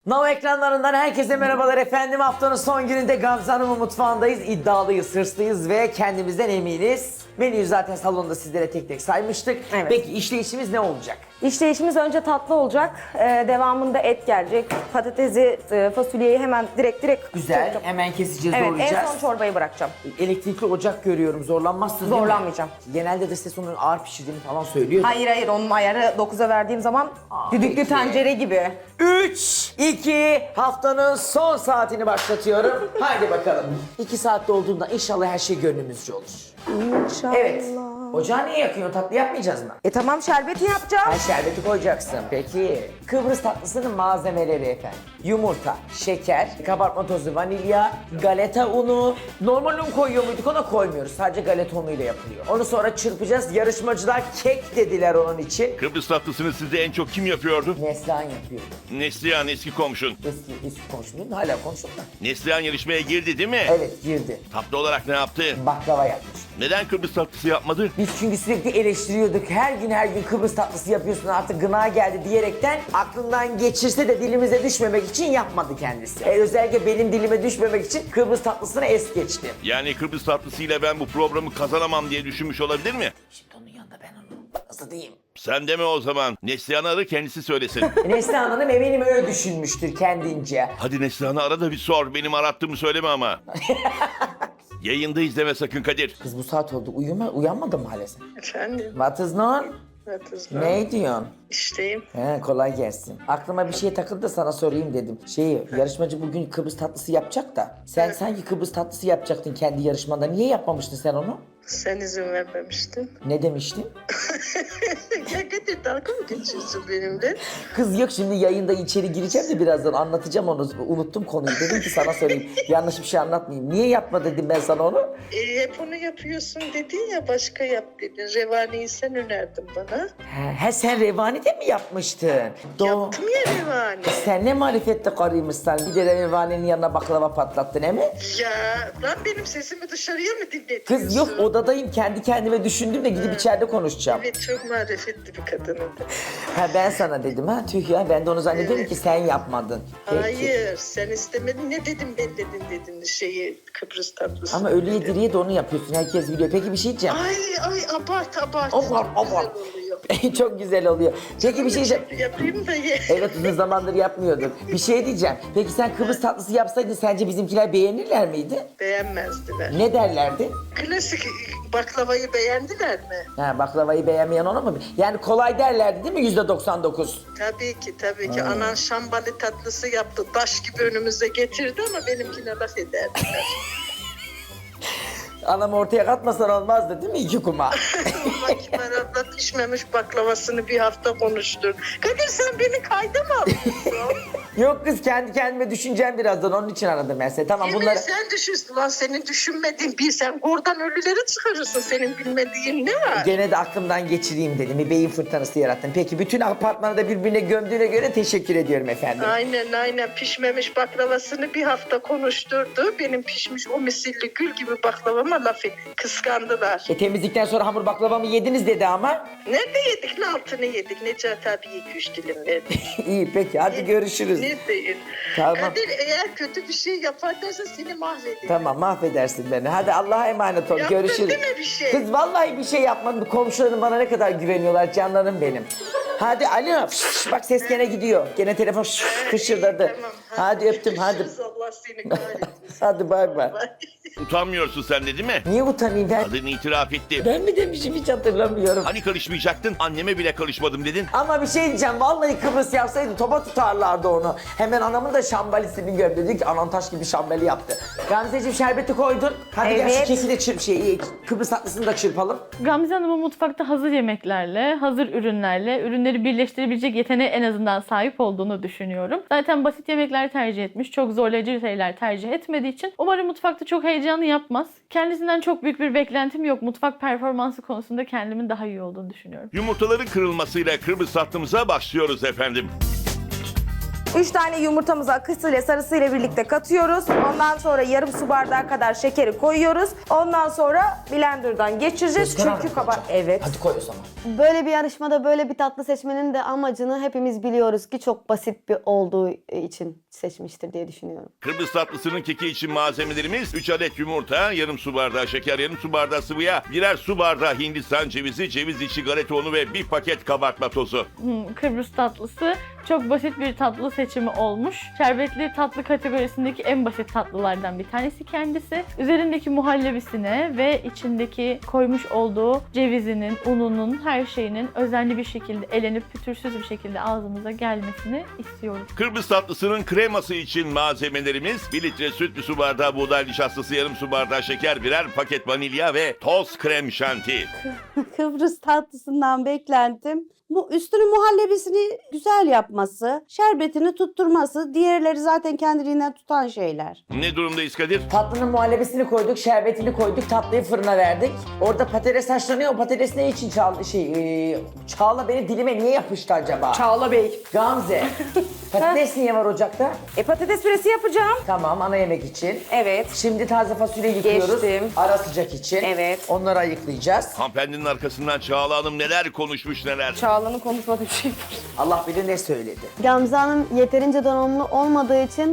Now ekranlarından herkese merhabalar efendim. Haftanın son gününde Gamze Hanım'ın mutfağındayız. İddialıyız, hırslıyız ve kendimizden eminiz. Menüyü zaten salonda sizlere tek tek saymıştık. Evet. Peki işleyişimiz ne olacak? İşleyişimiz önce tatlı olacak. Devamında et gelecek. Patatesi, fasulyeyi hemen direkt Güzel. koyacağım. Hemen keseceğiz, Evet, doğrayacağız. en son çorbayı bırakacağım. Elektrikli ocak görüyorum. Zorlanmazsın değil mi? Zorlanmayacağım. Genelde de ses onun ağır pişirdiğini falan söylüyor. Hayır, onun ayarı 9'a verdiğim zaman düdüklü peki. tencere gibi. 3, 2, haftanın son saatini başlatıyorum. Haydi bakalım. 2 saatte olduğunda inşallah her şey gönlümüzce olur. İnşallah. Evet. Ocağı niye yakıyorsun? Tatlı yapmayacağız mı? Tamam, şerbeti yapacağım. Ha, şerbeti koyacaksın. Peki. Kıbrıs tatlısının malzemeleri efendim. Yumurta, şeker, kabartma tozu, vanilya, galeta unu. Normal un koyuyor muyduk? Ona koymuyoruz. Sadece galeta unuyla yapılıyor. Onu sonra çırpacağız. Yarışmacılar kek dediler onun için. Kıbrıs tatlısını sizde en çok kim yapıyordu? Neslihan yapıyor. Neslihan, eski komşun. Eski komşum hala komşum da. Neslihan yarışmaya girdi değil mi? Evet, girdi. Tatlı olarak ne yaptı? Baklava yapmış. Neden Kıbrıs tatlısı yapmadı? Biz çünkü sürekli eleştiriyorduk. Her gün Kıbrıs tatlısı yapıyorsun, artık gına geldi diyerekten aklından geçirse de dilimize düşmemek için yapmadı kendisi. Özellikle benim dilime düşmemek için Kıbrıs tatlısını es geçti. Yani Kıbrıs tatlısıyla ben bu programı kazanamam diye düşünmüş olabilir mi? Şimdi onun yanında ben onu nasıl diyeyim? Sen deme o zaman. Neslihan'ı ara, kendisi söylesin. Neslihan Hanım eminim öyle düşünmüştür kendince. Hadi Neslihan'ı ara da bir sor. Benim arattığımı söyleme ama. Yayında izleme sakın Kadir. Kız bu saat oldu, uyanmadın mı hala sen? Efendim, What is on? Batız'la. Ne diyorsun? İşteyim. He, kolay gelsin. Aklıma bir şey takıldı da sana sorayım dedim. Yarışmacı bugün Kıbrıs tatlısı yapacak da. Sen sanki Kıbrıs tatlısı yapacaktın kendi yarışmanda. Niye yapmamıştın sen onu? Sen izin vermemiştin. Ne demiştin? Ya Kadir, dalga mı geçiyorsun benimle? Kız yok, şimdi yayında içeri gireceğim de birazdan anlatacağım onu. Unuttum konuyu. Dedim ki sana sorayım. Yanlış bir şey anlatmayayım. Niye yapma dedim ben sana onu? Hep onu yapıyorsun dedin ya, başka yap dedin. Revani'yi sen önerdin bana. He, sen Revani de mi yapmıştın? Yaptım ya Revani. Sen ne marifetli karıymışsın. Bir de Revani'nin yanına baklava patlattın he mi? Ya lan, benim sesimi dışarıya mı dinletiyorsun? Kız yok, odadayım, kendi kendime düşündüm de gidip içeride konuşacağım. Evet, çok marifetli bir kadınım. Ha, ben sana dedim ha, tüh ya, ben de onu zannediyorum ki sen yapmadın. Peki. Hayır, sen istemedin. Ne dedim ben dedin Kıbrıs tatlısı. Ama ölüye diriye de onu yapıyorsun, herkes biliyor. Peki bir şey diyeceğim. Ay abart. Abart, Çok abart. güzel oluyor. Çok güzel oluyor. Peki bir şey diyeceğim. Yapayım da ye. Evet, uzun zamandır yapmıyordun. Bir şey diyeceğim. Peki sen Kıbrıs tatlısı yapsaydın sence bizimkiler beğenirler miydi? Beğenmezdiler. Ne derlerdi? Klasik baklavayı beğendiler mi? Ha, baklavayı beğenmeyen ona mı? Yani kolay derlerdi değil mi %99? Tabii ki. Anan şambali tatlısı yaptı. Taş gibi önümüze getirdi ama benimkine laf ederdiler. Anam ortaya katmasan olmazdı değil mi, 2 kuma? Makiner abla pişmemiş baklavasını bir hafta konuştur. Kadir, sen beni kayda mı alıyorsun? Yok kız, kendi kendime düşüneceğim birazdan, onun için aradım ben seni. Tamam, Yemin bunları... sen düşünsün lan, senin düşünmediğin bir, sen oradan ölüleri çıkarırsın, senin bilmediğin ne var? Gene de aklımdan geçireyim dedim. Bir beyin fırtınası yarattım. Peki bütün apartmanı da birbirine gömdüğüne göre teşekkür ediyorum efendim. Aynen pişmemiş baklavasını bir hafta konuşturdu. Benim pişmiş o misilli gül gibi baklavama laf etti. Kıskandılar. Temizlikten sonra hamur baklavamı yediniz dedi ama. Nerede yedik? Ne altını yedik? Necati abi 2-3 dilim verdi. İyi peki, hadi görüşürüz. Ne değil? Tamam. Kadir, eğer kötü bir şey yapar dersen seni mahvederim. Tamam, mahvedersin beni. Hadi Allah'a emanet ol. Yaptın Görüşürüz. değil mi bir şey? Kız vallahi bir şey yapmadım. Komşularım bana ne kadar güveniyorlar, canlarım benim. Hadi alo. Şş, bak ses gene gidiyor. Gene telefon hışırdadı. Tamam, Hadi öptüm, hadi. Görüşürüz, Allah seni kahretsin. Hadi bay bay. Utanmıyorsun sen de değil mi? Niye utanayım ben? Kadın itiraf etti. Ben mi demişim, hiç hatırlamıyorum. Hani karışmayacaktın? Anneme bile karışmadım dedin. Ama bir şey diyeceğim, vallahi Kıbrıs yapsaydı topa tutarlardı onu. Hemen anamın da şambalisini gömdü. Dedi ki anan taş gibi şambali yaptı. Gamzeciğim, şerbeti koydun. Hadi gel şu Evet. keki de çırp, Kıbrıs tatlısını da çırpalım. Gamze Hanım'ın mutfakta hazır yemeklerle, hazır ürünlerle, ürünleri birleştirebilecek yeteneğe en azından sahip olduğunu düşünüyorum. Zaten basit yemekler tercih etmiş, çok zorlayıcı şeyler tercih etmediği için umarım mutfakta çok heyecanlı yapmaz. Kendisinden çok büyük bir beklentim yok. Mutfak performansı konusunda kendimin daha iyi olduğunu düşünüyorum. Yumurtaların kırılmasıyla Kıbrıs tatlımıza başlıyoruz efendim. 3 tane yumurtamızı akısıyla sarısıyla birlikte katıyoruz. Ondan sonra yarım su bardağı kadar şekeri koyuyoruz. Ondan sonra blenderdan geçireceğiz. Çünkü Evet. Hadi koy o zaman. Böyle bir yarışmada böyle bir tatlı seçmenin de amacını hepimiz biliyoruz ki çok basit bir olduğu için seçmiştir diye düşünüyorum. Kıbrıs tatlısının keki için malzemelerimiz 3 adet yumurta, yarım su bardağı şeker, yarım su bardağı sıvı yağ, birer su bardağı Hindistan cevizi, ceviz içi galeta unu ve bir paket kabartma tozu. Kıbrıs tatlısı çok basit bir tatlı seçimi olmuş. Şerbetli tatlı kategorisindeki en basit tatlılardan bir tanesi kendisi. Üzerindeki muhallebisine ve içindeki koymuş olduğu cevizinin, ununun, her şeyinin özenli bir şekilde elenip pütürsüz bir şekilde ağzımıza gelmesini istiyoruz. Kıbrıs tatlısının kreması için malzemelerimiz 1 litre süt, 1 su bardağı buğday nişastası, yarım su bardağı şeker, birer paket vanilya ve toz krem şanti. Kıbrıs tatlısından beklentim bu üstünü muhallebisini güzel yapması, şerbetini tutturması, diğerleri zaten kendiliğinden tutan şeyler. Ne durumdayız Kadir? Tatlının muhallebisini koyduk, şerbetini koyduk, tatlıyı fırına verdik. Orada patates haşlanıyor. O patates ne için Çağla benim dilime niye yapıştı acaba? Çağla Bey. Gamze. Patates niye var ocakta? Patates püresi yapacağım. Tamam, ana yemek için. Evet. Şimdi taze fasulye yıkıyoruz. Geçtim. Ara sıcak için. Evet. Onları ayıklayacağız. Hanımefendinin arkasından Çağla Hanım neler konuşmuş neler. Çağla'nın konuşmadığı bir şey var. Allah bilir ne söyledi. Gamze Hanım yeterince donanımlı olmadığı için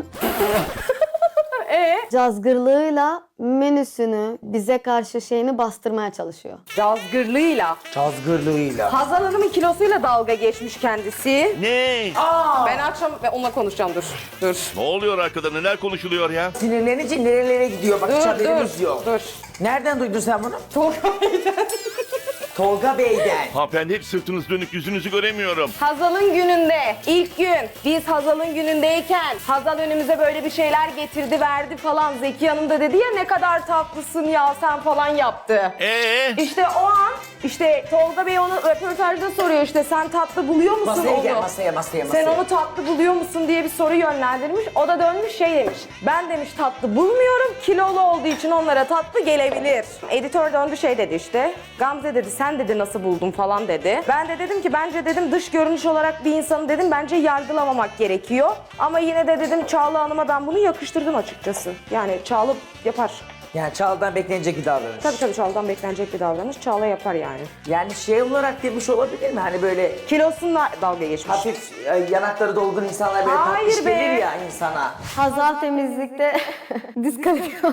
cazgırlığıyla menüsünü bize karşı şeyini bastırmaya çalışıyor. Cazgırlığıyla. Cazgırlığıyla. Hazal Hanım'ın kilosuyla dalga geçmiş kendisi. Ne? Ben akşam onunla konuşacağım, dur. Ne oluyor arkada, neler konuşuluyor ya? Sinirlenince nerelere gidiyor? Bak hiç haberimiz yok. Dur. Nereden duydun sen bunu? Tolga Bey'den. Tolga Bey'den. Hanımefendi hep sırtınız dönük, yüzünüzü göremiyorum. Hazal'ın gününde, ilk gün biz Hazal'ın günündeyken Hazal önümüze böyle bir şeyler getirdi verdi falan. Zeki Hanım da dedi ya ne kadar tatlısın ya sen falan yaptı. İşte o an Tolga Bey onu röportajda soruyor işte sen tatlı buluyor musun Masaya onu? gel, masaya. Sen onu tatlı buluyor musun diye bir soru yönlendirmiş. O da dönmüş şey demiş. Ben demiş tatlı bulmuyorum. Kilolu olduğu için onlara tatlı gelebilir. Editör döndü şey dedi işte. Gamze dedi sen dedi nasıl buldun falan dedi. Ben de dedim ki bence dedim dış görünüş olarak bir insanı dedim bence yargılamamak gerekiyor. Ama yine de dedim Çağla Hanım'a ben bunu yakıştırdım açıkçası. Yani Çağla yapar. Yani Çağla'dan beklenecek bir davranış. Tabii Çağla'dan beklenecek bir davranış. Çağla yapar yani. Yani şey olarak demiş olabilir mi? Hani böyle Kilosunla dalga geçmiş. hafif yanakları dolgun insanlar böyle Hayır tatlış be. gelir ya insana. Hazal temizlikte diskalifiye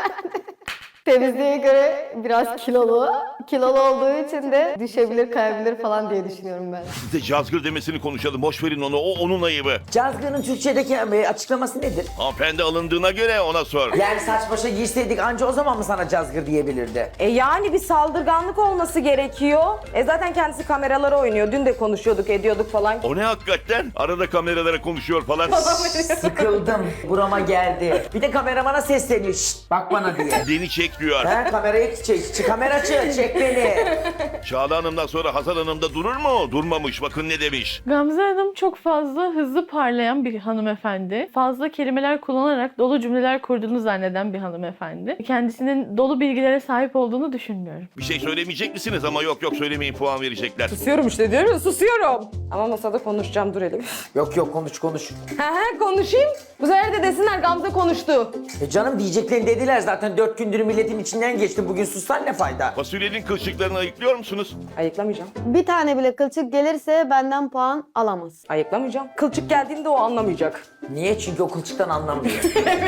temizliğe göre biraz kilolu. Kilolu olduğu için de düşebilir, kayabilir falan diye düşünüyorum ben. Biz de cazgır demesini konuşalım, boş verin onu, o onun ayıbı. Cazgır'ın Türkçedeki açıklaması nedir? Hanımefendi alındığına göre ona sor. Yani saç başa giyseydik anca o zaman mı sana cazgır diyebilirdi? Yani bir saldırganlık olması gerekiyor. Zaten kendisi kameralara oynuyor. Dün de konuşuyorduk, ediyorduk falan. O ne hakikaten? Arada kameralara konuşuyor falan. Sıkıldım, burama geldi. Bir de kameramana sesleniyor, şşt bak bana diye. Beni çek diyor. Ha, kamerayı çek, kamera çek beni. Çağla Hanım'dan sonra Hazal Hanım da durur mu? Durmamış, bakın ne demiş. Gamze Hanım çok fazla hızlı parlayan bir hanımefendi. Fazla kelimeler kullanarak dolu cümleler kurduğunu zanneden bir hanımefendi. Kendisinin dolu bilgilere sahip olduğunu düşünmüyorum. Bir şey söylemeyecek misiniz? Ama yok söylemeyin, puan verecekler. Susuyorum işte diyorum ya, susuyorum. Ama masada konuşacağım, dur hele. Yok konuş. Konuşayım. Bu sefer de desinler Gamze konuştu. Canım diyeceklerini dediler zaten 4 gündür milletin içinden geçti. Bugün sussan ne fayda? Fasulyenin kılçıklarını ayıklıyor musunuz? Ayıklamayacağım. Bir tane bile kılçık gelirse benden puan alamaz. Ayıklamayacağım. Kılçık geldiğinde o anlamayacak. Niye? Çünkü o kılçıktan anlamıyor.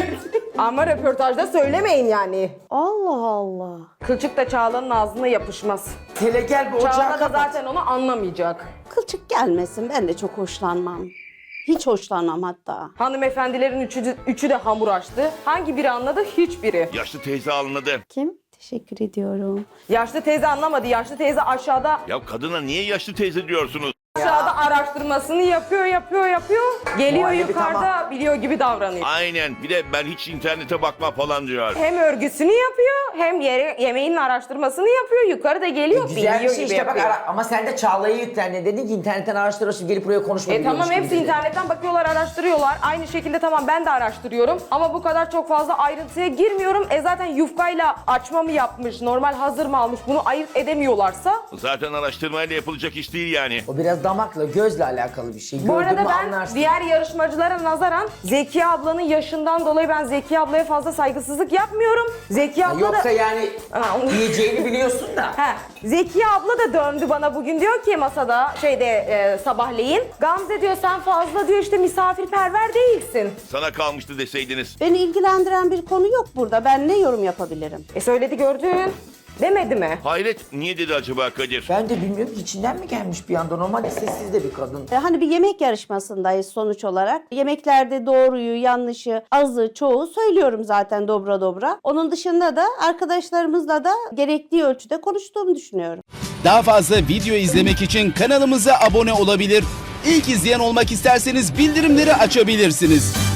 Ama röportajda söylemeyin yani. Allah Allah. Kılçık da Çağla'nın ağzına yapışmaz. Hele gel bir ocağı Çağla da kapat. zaten onu anlamayacak. Kılçık gelmesin, ben de çok hoşlanmam. Hiç hoşlanmam hatta. Hanımefendilerin üçü de hamur açtı. Hangi biri anladı? Hiçbiri. Yaşlı teyze anladı. Kim? Teşekkür ediyorum. Yaşlı teyze anlamadı. Yaşlı teyze aşağıda Ya kadına niye yaşlı teyze diyorsunuz? araştırmasını yapıyor. Geliyor Muhallebi yukarıda tamam. biliyor gibi davranıyor. Aynen, bir de ben hiç internete bakma falan diyor. Hem örgüsünü yapıyor hem yemeğin araştırmasını yapıyor. Yukarıda geliyor Güzel bir biliyor şey gibi işte bak yapıyor. ama sen de Çağla'yı yüklendin. Dedin ki internetten araştırıyorsun gelip buraya konuşma biliyormuş Tamam gibi hepsi dedin. internetten bakıyorlar, araştırıyorlar. Aynı şekilde tamam ben de araştırıyorum. Ama bu kadar çok fazla ayrıntıya girmiyorum. Zaten yufkayla açma mı yapmış, normal hazır mı almış bunu ayırt edemiyorlarsa. Zaten araştırmayla yapılacak iş değil yani. O biraz damakla, gözle alakalı bir şey. Bu arada Gördün mü ben anlarsın. diğer yarışmacılara nazaran Zekiye ablanın yaşından dolayı ben Zekiye ablaya fazla saygısızlık yapmıyorum. Zekiye abla Yoksa da... yani Ha, onu- yiyeceğini biliyorsun da. He, Zekiye abla da döndü bana bugün, diyor ki masada sabahleyin. Gamze diyor sen fazla diyor işte misafirperver değilsin. Sana kalmıştı deseydiniz. Beni ilgilendiren bir konu yok burada. Ben ne yorum yapabilirim? Söyledi gördün. Demedi mi? Hayret, niye dedi acaba Kadir? Ben de bilmiyorum ki içinden mi gelmiş bir anda. Normalde sessiz de bir kadın. Hani bir yemek yarışmasındayız sonuç olarak. Yemeklerde doğruyu, yanlışı, azı, çoğu söylüyorum zaten dobra dobra. Onun dışında da arkadaşlarımızla da gerektiği ölçüde konuştuğumu düşünüyorum. Daha fazla video izlemek için kanalımıza abone olabilir. İlk izleyen olmak isterseniz bildirimleri açabilirsiniz.